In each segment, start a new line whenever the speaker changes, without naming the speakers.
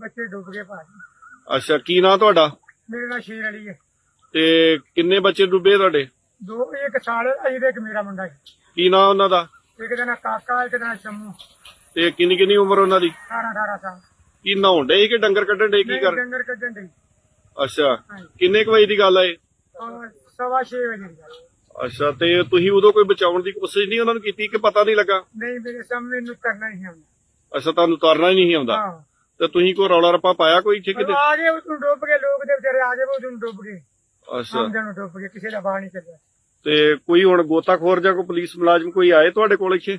ਬੱਚੇ ਡੁੱਬ ਗਏ ਭਾਜੀ।
ਅੱਛਾ, ਕੀ ਨਾਂ ਤੁਹਾਡਾ?
ਮੇਰੇ ਨਾਲ ਸ਼ੇਰ ਅਲੀ ਹੈ।
ਤੇ ਕਿੰਨੇ ਬੱਚੇ ਡੁੱਬੇ ਤੁਹਾਡੇ?
ਦੋ, ਇੱਕ ਸਾਲੇ ਅਜੀ ਦੇ, ਇੱਕ ਮੇਰਾ ਮੁੰਡਾ ਹੈ।
ਕੀ ਨਾਂ ਉਹਨਾਂ ਦਾ?
ਇੱਕ ਦਾ ਨਾਂ ਕਾਕਾ, ਇੱਕ ਦਾ ਨਾਂ ਸ਼ੰਮੂ।
ਤੇ ਕਿੰਨੀ ਕਿੰਨੀ ਉਮਰ ਉਹਨਾਂ ਦੀ?
18 ਸਾਲ।
ਕੀ ਨਹਾਉਣ ਡੇ ਕਿ ਡੰਗਰ ਕੱਢਣ ਡੇ, ਕੀ
ਨਹੀਂ,
ਕਰ?
ਡੰਗਰ ਕੱਢਣ ਦੇ।
ਅੱਛਾ,
ਹਾਂਜੀ।
ਕਿੰਨੇ ਕੁ ਵਜੇ ਦੀ ਗੱਲ ਆ ਇਹ?
6:15 ਵਜੇ ਦੀ ਗੱਲ।
ਅੱਛਾ, ਤੇ ਤੁਸੀਂ ਉਦੋਂ ਕੋਈ ਬਚਾਉਣ ਦੀ ਕੋਸ਼ਿਸ਼ ਨਹੀਂ ਉਹਨਾਂ ਨੂੰ ਕੀਤੀ ਕਿ ਪਤਾ ਨਹੀਂ ਲੱਗਾ?
ਨਹੀਂ, ਮੇਰੇ ਸਾਹਮਣੇ ਨੂੰ ਕਰਨਾ ਹੀ ਆਉਂਦਾ।
ਅੱਛਾ, ਤੁਹਾਨੂੰ ਉਤਾਰਨਾ ਹੀ ਨਹੀਂ ਆਉਂਦਾ।
ਹਾਂ,
ਤੇ ਤੁਸੀਂ ਕੋਈ ਰੌਲਾ ਰੱਪਾ ਪਾਇਆ ਕੋਈ ਇੱਥੇ ਕਿਤੇ?
ਆ ਗਏ ਉਦੋਂ ਡੁੱਬ ਗਏ ਲੋਕ, ਦੇ ਵਿਚਾਰੇ ਆ ਗਏ ਉਦੋਂ ਡੁੱਬ ਗਏ।
ਅੱਛਾ,
ਆਮਦਨ ਨੂੰ ਡੁੱਬ ਗਏ, ਕਿਸੇ ਦਾ ਬਾਹਰ ਨਹੀਂ ਚੱਲਿਆ।
ਤੇ ਕੋਈ ਹੁਣ ਗੋਤਾਖੋਰ ਜਾਂ ਕੋਈ ਪੁਲਿਸ ਮੁਲਾਜ਼ਮ ਕੋਈ ਆਏ ਤੁਹਾਡੇ ਕੋਲ ਇੱਥੇ?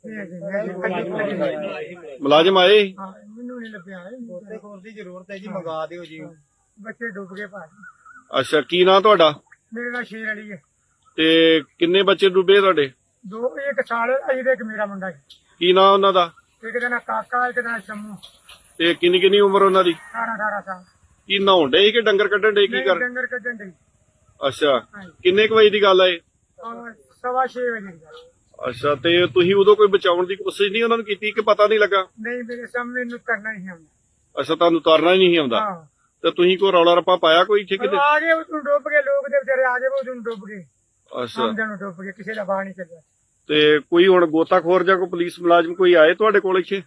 ਮੁਲਾਜ਼ਮ ਆਏ?
ਹਾਂ, ਮੈਨੂੰ ਨਹੀਂ ਲੱਭਿਆ।
ਹੋਰ ਦੀ ਜ਼ਰੂਰਤ ਹੈ ਜੀ, ਮੰਗਾ ਦਿਓ ਜੀ।
ਬੱਚੇ ਡੁੱਬ ਗਏ ਭਾਜੀ।
ਅੱਛਾ, ਕੀ ਨਾਂ ਤੁਹਾਡਾ?
ਮੇਰੇ ਨਾਲ ਸ਼ੇਰ ਅਲੀ ਹੈ।
ਤੇ ਕਿੰਨੇ ਬੱਚੇ ਡੁੱਬੇ ਤੁਹਾਡੇ?
ਦੋ, ਇੱਕ ਸਾਲੇ ਅਜੀ ਦੇ, ਇੱਕ ਮੇਰਾ ਮੁੰਡਾ ਹੈ।
ਕੀ ਨਾਂ ਉਹਨਾਂ ਦਾ?
ਇੱਕ ਦਾ ਨਾਂ ਕਾਕਾ, ਇੱਕ ਦਾ ਨਾਂ ਸ਼ੰਮੂ।
ਤੇ ਕਿੰਨੀ ਕਿੰਨੀ ਉਮਰ ਉਹਨਾਂ ਦੀ?
18 ਸਾਲ।
ਕੀ ਨਹਾਉਣ ਡੇ ਕਿ ਡੰਗਰ ਕੱਢਣ ਡੇ, ਕੀ
ਨਹੀਂ,
ਕਰ?
ਡੰਗਰ ਕੱਢਣ ਦੇ।
ਅੱਛਾ,
ਹਾਂਜੀ।
ਕਿੰਨੇ ਕੁ ਵਜੇ ਦੀ ਗੱਲ ਆ ਇਹ?
6:15 ਵਜੇ ਦੀ ਗੱਲ।
ਅੱਛਾ, ਤੇ ਤੁਸੀਂ ਉਦੋਂ ਕੋਈ ਬਚਾਉਣ ਦੀ ਕੋਸ਼ਿਸ਼ ਨਹੀਂ ਉਹਨਾਂ ਨੂੰ ਕੀਤੀ ਕਿ ਪਤਾ ਨਹੀਂ ਲੱਗਾ?
ਨਹੀਂ, ਮੇਰੇ ਸਾਹਮਣੇ ਨੂੰ ਕਰਨਾ ਹੀ ਆਉਂਦਾ।
ਅੱਛਾ, ਤੁਹਾਨੂੰ ਉਤਾਰਨਾ ਹੀ ਨਹੀਂ ਆਉਂਦਾ।
ਹਾਂ,
ਤੇ ਤੁਸੀਂ ਕੋਈ ਰੌਲਾ ਰੱਪਾ ਪਾਇਆ ਕੋਈ ਇੱਥੇ ਕਿਤੇ?
ਆ ਗਏ ਉਦੋਂ ਡੁੱਬ ਗਏ ਲੋਕ, ਦੇ ਵਿਚਾਰੇ ਆ ਗਏ ਉਦੋਂ ਡੁੱਬ ਗਏ।
ਅੱਛਾ,
ਆਮਦਨ ਨੂੰ ਡੁੱਬ ਗਏ, ਕਿਸੇ ਦਾ ਬਾਹਰ ਨਹੀਂ ਚੱਲਿਆ।
ਤੇ ਕੋਈ ਹੁਣ ਗੋਤਾਖੋਰ ਜਾਂ ਕੋਈ ਪੁਲਿਸ ਮੁਲਾਜ਼ਮ ਕੋਈ ਆਏ ਤੁਹਾਡੇ ਕੋਲ ਇੱਥੇ?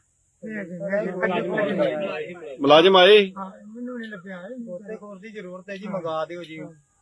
ਮੁਲਾਜ਼ਮ ਆਏ?
ਹਾਂ, ਮੈਨੂੰ ਨਹੀਂ ਲੱਭਿਆ।
ਹੋਰ ਦੀ ਜ਼ਰੂਰਤ ਹੈ ਜੀ, ਮੰਗਾ ਦਿਓ ਜੀ।